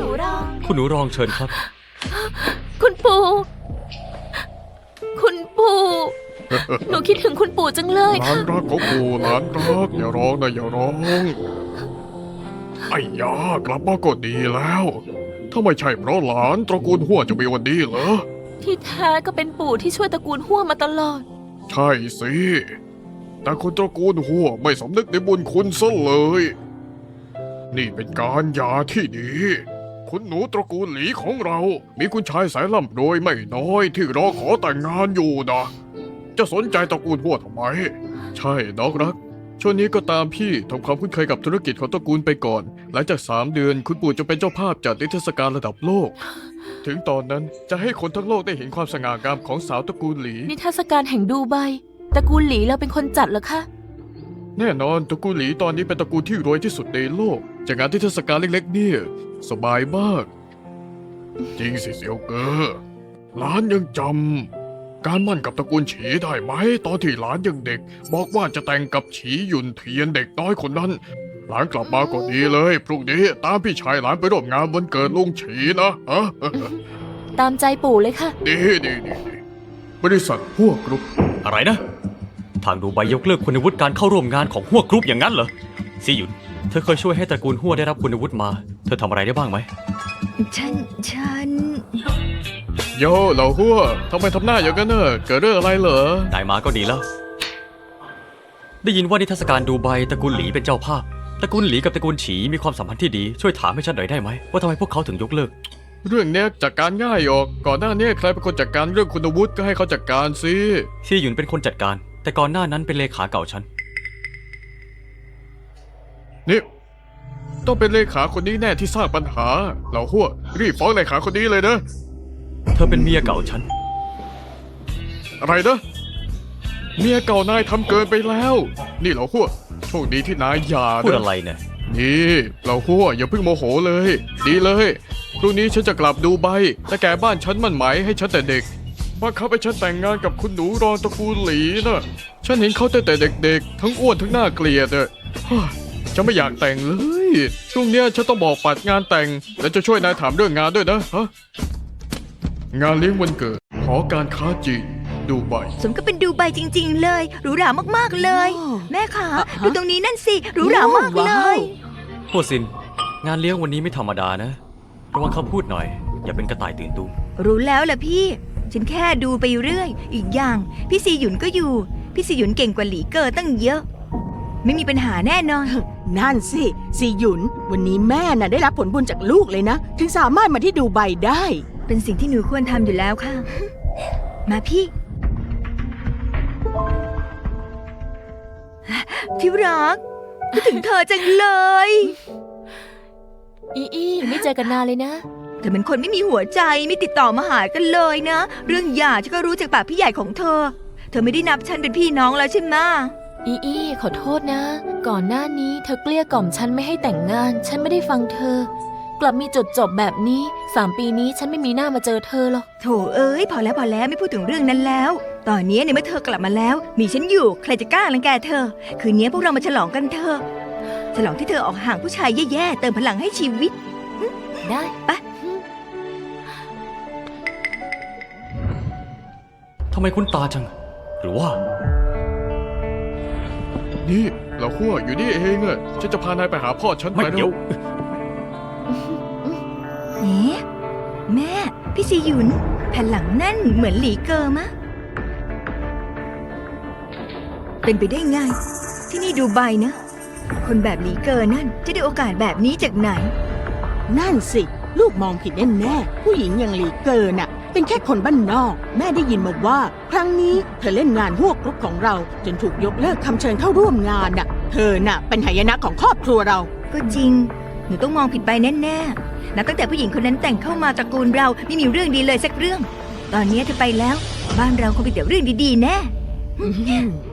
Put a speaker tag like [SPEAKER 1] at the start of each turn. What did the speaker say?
[SPEAKER 1] นูรอง
[SPEAKER 2] คุณหนูรองเชิญครับ
[SPEAKER 1] คุณปู่หนูคิดถึงคุณปู่จังเลย
[SPEAKER 3] หลา
[SPEAKER 1] ค่ะ
[SPEAKER 3] นรักของปู่หลานรักอย่าร้องนะอย่าร้องไอ้ยากลับมาก็ดีแล้วถ้าไม่ใช่เพราะหลานตระกูลหัวจะมีวันนี้เหรอ
[SPEAKER 1] ที่แท้ก็เป็นปู่ที่ช่วยตระกูลหัวมาตลอด
[SPEAKER 3] ใช่สิแต่คนตระกูลหัวไม่สำนึกในบุญคุณซะเลย นี่เป็นการหย่าที่ดี คุณหนูตระกูลหลีของเรา มีคุณชายสายร่ำรวยไม่น้อยที่รอขอแต่งงานอยู่นะ จะสนใจตระกูลหัวทำไม ใช่น้องรัก ช่วงนี้ก็ตามพี่ทำความคุ้นเคยกับธุรกิจของตระกูลไปก่อน หลังจาก3 เดือนคุณปู่จะเป็นเจ้าภาพจัดนิทรรศการระดับโลก ถึงตอนนั้นจะให้คนทั้งโลกได้เห็นความสง่างามของสาวตระกูลหลี
[SPEAKER 1] นิทรรศการแห่งดูไบตระกูลหลีเราเป็นคนจัดเหรอคะ
[SPEAKER 3] แน่นอนตระกูลหลีตอนนี้เป็นตระกูลที่รวยที่สุดในโลกจากงานที่เทศกาลเล็กๆเนี่ยสบายมาก จริงสิเสี่ยวเกอหลานยังจำการมั่นกับตระกูลฉีได้ไหมตอนที่หลานยังเด็ก บอกว่าจะแต่งกับฉีหยุนเทียนเด็กน้อยคนนั้น หลานกลับมาก็ดีเลยพรุ่งนี้ตามพี่ชายหลานไปร่วมงานวันเกิดลุงฉีนะฮะ
[SPEAKER 1] ตามใจปู่เลยค่ะ
[SPEAKER 3] ดีบริษัทพวกกรุ๊ป
[SPEAKER 2] อะไรนะ ทางดูไบยกเลิกคุณวุฒิการเข้าร่วมงานของหัวกรุ๊ปอย่างนั้นเหรอซีหยุนเธอเคยช่วยให้ตระกูลหัวได้รับคุณวุฒิมา เธอทำอะไรได้บ้างไหม
[SPEAKER 4] ฉัน
[SPEAKER 3] โย่เหล่าหัวทำไมทำหน้าอย่างนั้นเนอะเกิดเรื่องอะไรเหรอ
[SPEAKER 2] ได้มาก็ดีแล้ว ได้ยินว่านิทรรศการดูไบตระกูลหลีเป็นเจ้าภาพ ตระกูลหลีกับตระกูลฉีมีความสัมพันธ์ที่ดี ช่วยถามให้ฉันหน่อยได้ไหมว่าทำไมพวกเขาถึงยกเลิก
[SPEAKER 3] เรื่องเนี้ยจัดการง่ายออก ก่อนหน้านี้ใครเป็นคนจัดการเรื่องคุณวุฒิก็ให้เขาจัดการสิ
[SPEAKER 2] ซีหยุนเป็นคนจัดการ แต่ก่อนหน้านั้นเป็นเลขาเก่าฉัน
[SPEAKER 3] นี่ต้องเป็นเลขาคนนี้แน่ที่สร้างปัญหาเหล่าหัวรีบฟ้องเลขาคนนี้เลยนะ
[SPEAKER 2] เธอเป็นเมียเก่าฉัน
[SPEAKER 3] อะไรนะเมียเก่านายทำเกินไปแล้ว นี่เหล่าหัวโชคดีที่นายหย่า
[SPEAKER 2] พูด
[SPEAKER 3] นะ
[SPEAKER 2] อะไรเนี่ย
[SPEAKER 3] นี่เหล่าหัวอย่าเพิ่งโมโหเลย ดีเลยพรุ่งนี้ฉันจะกลับดูไบแต่แกบ้านฉันมันหมายให้ฉันแต่เด็กว่าเขาไปฉันแต่งงานกับคุณหนูรองตระกูลหลีนะฉันเห็นเขาตั้งแต่เด็กๆทั้งอ้วนทั้งน่าเกลียดอะฉันไม่อยากแต่งเลยช่วงเนี้ยฉันต้องบอกปัดงานแต่งและจะช่วยนายถามเรื่องงานด้วยนะฮะงานเลี้ยงวันเกิดหอการค้าจีนดูไบ
[SPEAKER 4] สมก็เป็นดูไบจริงๆเลยหรูหรามากๆเลย แม่ขาดูตรงนี้นั่นสิหรูหรามากเลย
[SPEAKER 2] พวกซิน งานเลี้ยงวันนี้ไม่ธรรมดานะ ระวังคำพูดหน่อย อย่าเป็นกระต่ายตื่นตูม
[SPEAKER 4] รู้แล้วล่ะพี่ ฉันแค่ดูไปเรื่อย อีกอย่าง พี่ซีหยุนก็อยู่ พี่ซีหยุนเก่งกว่าหลีเกอตั้งเยอะ ไม่มีปัญหาแน่นอน
[SPEAKER 5] นั่นสิซีหยุน วันนี้แม่น่ะได้รับผลบุญจากลูกเลยนะ ถึงสามารถมาที่ดูไบได้
[SPEAKER 4] เป็นสิ่งที่หนูควรทำอยู่แล้วค่ะ มาพี่ที่รักคิดถึงเธอจังเลย
[SPEAKER 1] อีไม่เจอกันนานเลยนะ
[SPEAKER 4] เธอเป็นคนไม่มีหัวใจไม่ติดต่อมาหากันเลยนะ เรื่องหย่าฉันก็รู้จากปากพี่ใหญ่ของเธอ เธอไม่ได้นับฉันเป็นพี่น้องแล้วใช่ไหม
[SPEAKER 1] อีขอโทษนะ ก่อนหน้านี้เธอเกลี้ยกล่อมฉันไม่ให้แต่งงาน ฉันไม่ได้ฟังเธอ กลับมีจุดจบแบบนี้3 ปีนี้ฉันไม่มีหน้ามาเจอเธอหรอก
[SPEAKER 4] โถเอ้ยพอแล้วไม่พูดถึงเรื่องนั้นแล้ว ตอนนี้ในเมื่อเธอกลับมาแล้ว มีฉันอยู่ใครจะกล้ารังแกเธอ คืนนี้พวกเรามาฉลองกันเถอะฉลองที่เธอออกห่างผู้ชายแย่ๆเติมพลังให้ชีวิต
[SPEAKER 1] ได้
[SPEAKER 4] ไป
[SPEAKER 2] ทำไมคุ้นตาจัง หรือว่า
[SPEAKER 3] นี่เหล่าหัวอยู่นี่เองอะฉันจะพานายไปหาพ่อฉัน
[SPEAKER 2] ไม่
[SPEAKER 3] ไป
[SPEAKER 2] เดี๋ยว
[SPEAKER 4] เอ๊ะแม่พี่ซีหยุนแผ่นหลังนั่นเหมือนหลีเกอร์มะ เป็นไปได้ไง ที่นี่ดูไบนะ คนแบบหลีเกอร์นั่นจะได้โอกาสแบบนี้จากไหน
[SPEAKER 5] นั่นสิ ลูกมองผิดแน่ๆผู้หญิงอย่างหลีเกินน่ะ เป็นแค่คนบ้านนอก แม่ได้ยินมาว่า ครั้งนี้เธอเล่นงานพวกกรุ๊ปของเรา จนถูกยกเลิกคำเชิญเข้าร่วมงานน่ะ เธอน่ะเป็นหายนะของครอบครัวเรา
[SPEAKER 4] ก็จริง หนูต้องมองผิดไปแน่ๆนับตั้งแต่ผู้หญิงคนนั้นแต่งเข้ามาตระกูลเราไม่มีเรื่องดีเลยสักเรื่อง ตอนนี้เธอไปแล้ว บ้านเราคงมีแต่เรื่องดีๆแน่